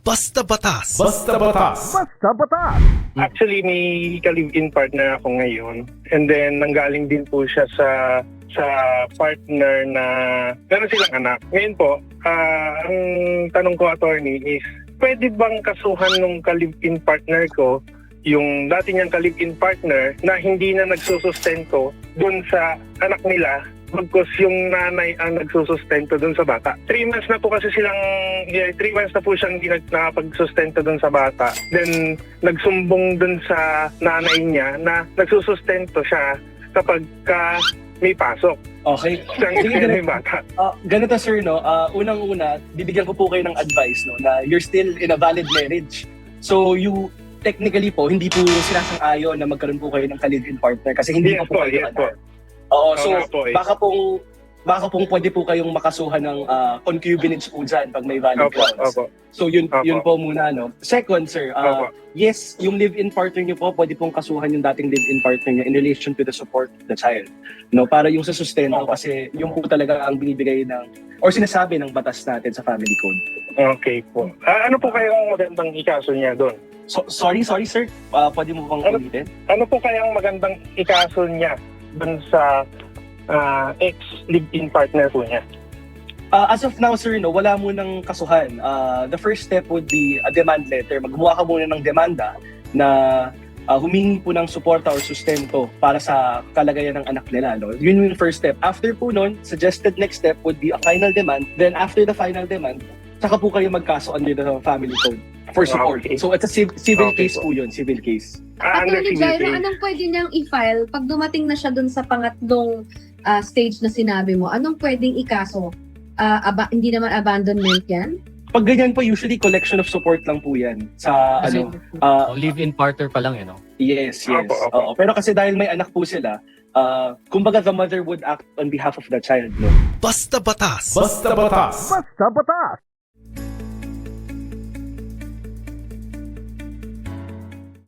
Basta Batas. Basta Batas. Basta Batas! Actually, may ka-live-in partner ako ngayon. And then, nanggaling din po siya sa partner na meron silang anak. Ngayon po, ang tanong ko, attorney, is pwede bang kasuhan nung ka-live-in partner ko yung dati niyang ka-live-in partner na hindi na nagsusustento dun sa anak nila bagkus yung nanay ang nagsusustento dun sa bata. 3 months na po kasi silang, 3 months na po siyang hindi nakapagsustento dun sa bata. Then, nagsumbong dun sa nanay niya na nagsusustento siya kapag may pasok. Okay. Siyang Sige, may bata. Ganito sir, no? Unang-una, bibigyan ko po kayo ng advice, no, na you're still in a valid marriage. So you technically po, hindi po sinasang-ayon na magkaroon po kayo ng ka-live-in partner kasi hindi Yes pa po po, kayo yes po. Oo, Oo so nga po, eh. baka pong pwede po kayong makasuhan ng concubinage po dyan pag may valid Opo, grounds. opo. So yun Opo. yun po muna, no. Second, sir, Opo. yes, yung live-in partner niyo po, pwede pong kasuhan yung dating live-in partner niya in relation to the support of the child. No, para yung sa sustento Opo. kasi yung po talaga ang binibigay ng or sinasabi ng batas natin sa family code. Okay po. Ano po kayang magandang ikaso niya doon? So, sorry sir, pwede mo bang ulitin? Ano po kayang magandang ikaso niya doon sa ex-live-in partner po niya? As of now, sir, no, wala mo ng kasuhan. The first step would be a demand letter. Magbuha ka muna ng demanda na humingi po ng suporta or sustento para sa kalagayan ng anak nila. No? Yun yung first step. After po nun, suggested next step would be a final demand. Then after the final demand, saka po kayo magkaso under the family code for support. Okay. So it's a civil Okay case po. po yun, civil case. Under Attorney civil Jairo, case. anong pwede niyang i-file pag dumating na siya dun sa pangatlong stage na sinabi mo? Anong pwedeng ikaso? Hindi naman abandonment yan? Pag ganyan po, usually collection of support lang po yan sa Kasi, live-in partner pa lang, no? Yes. Opo, opo. Oo. Pero kasi dahil may anak po sila, kumbaga the mother would act on behalf of the child, no? Basta Batas. Basta Batas. Basta Batas!